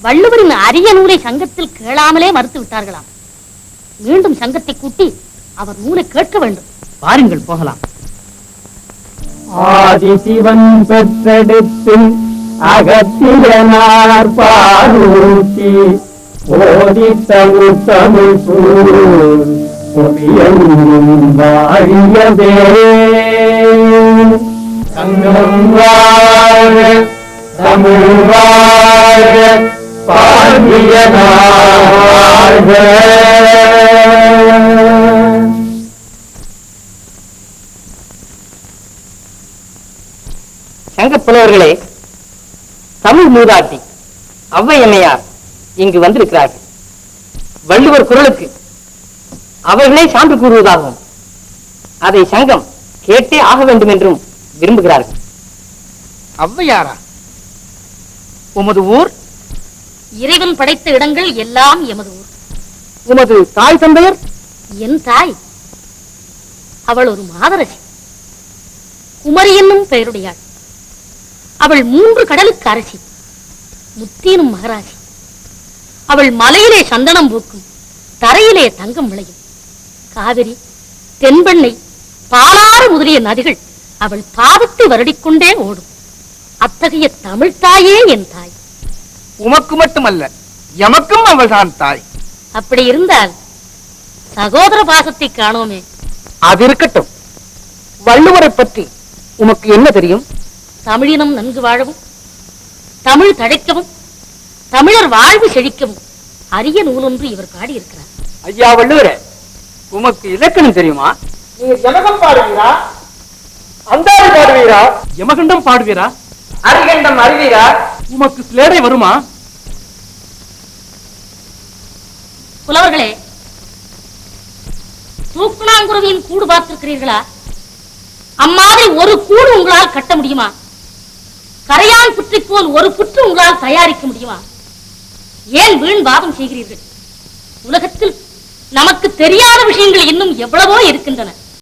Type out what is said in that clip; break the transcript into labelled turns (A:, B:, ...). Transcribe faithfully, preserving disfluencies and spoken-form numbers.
A: வள்ளுவரின் அரிய நூலை சங்கத்தில் கேளாமலே மறுத்து விட்டார்களாம். மீண்டும் சங்கத்தை கூட்டி அவர் நூலை கேட்க வேண்டும்.
B: பாருங்கள், போகலாம்.
C: ஆதிசிவன் பெற்றெடுத்து அகத்தியனார் பாரூட்டி ஓதி தமிழ் தமிழ் பொறியெங்கும் வாழியதே. சங்கம் வாழ தமிழ் வாழ பாண்டியனார் வாழ்க.
B: சங்க புலவர்களே, தமிழ் மூதாட்டி ஔவையம்மையார் இங்கு வந்திருக்கிறார்கள். வள்ளுவர் குரலுக்கு அவர்களே சான்று கூறுவதாகவும் அதை சங்கம் கேட்டே ஆக வேண்டும் என்றும் விரும்புகிறார்கள்.
D: ஔவையாரா? உமது ஊர்?
A: இறைவன் படைத்த இடங்கள் எல்லாம் எமது ஊர்.
B: உமது தாய் தந்தையர்?
A: என் தாய் அவள் ஒரு மாதரசி, குமரி என்னும் பெயருடையாள். அவள் மூன்று கடலுக்கு அரசி, முத்தீனும் மகராசி. அவள் மலையிலே சந்தனம் பூக்கும், தரையிலே தங்கம் விளையும். காவிரி, தென்பெண்ணை, பாலாறு முதலிய நதிகள் அவள் பாதத்தை வருடிக்கொண்டே ஓடும். அத்தகைய தமிழ் தாயே என் தாய்.
D: உமக்கு மட்டுமல்ல, எமக்கும் அவள் தான் தாய்.
A: அப்படி இருந்தால் சகோதர பாசத்தை காணோமே.
B: அது இருக்கட்டும், வள்ளுவரை பற்றி உமக்கு என்ன தெரியும்?
A: தமிழினம் நன்கு வாழவும், தமிழ் தழைக்கவும், தமிழர் வாழ்வு செழிக்கவும் அரிய நூலொன்று இவர் பாடியிருக்கிறார்.
B: ஐயா வள்ளுவரே, உமக்கு இலக்கணம் தெரியுமா?
C: நீங்க ஜனகம் பாடுவீரா? அந்தாதி பாடுவீரா?
B: யமகண்டம் பாடுவீரா?
C: அரிகண்டம் அறிவீரா?
B: உமக்கு சிலேடை வருமா?
A: புலவர்களே, தூக்குநாங்குருவியின் கூடு பார்த்திருக்கிறீர்களா? அம்மாதிரி ஒரு கூடு உங்களால் கட்ட முடியுமா? கரையான் புற்றை போல் ஒரு புற்று உங்களால் தயாரிக்க முடியுமா? ஏன் வீண் வாதம் செய்கிறீர்கள்? உலகத்தில் நமக்கு தெரியாத விஷயங்கள் இன்னும் எவ்வளவோ இருக்கின்றன.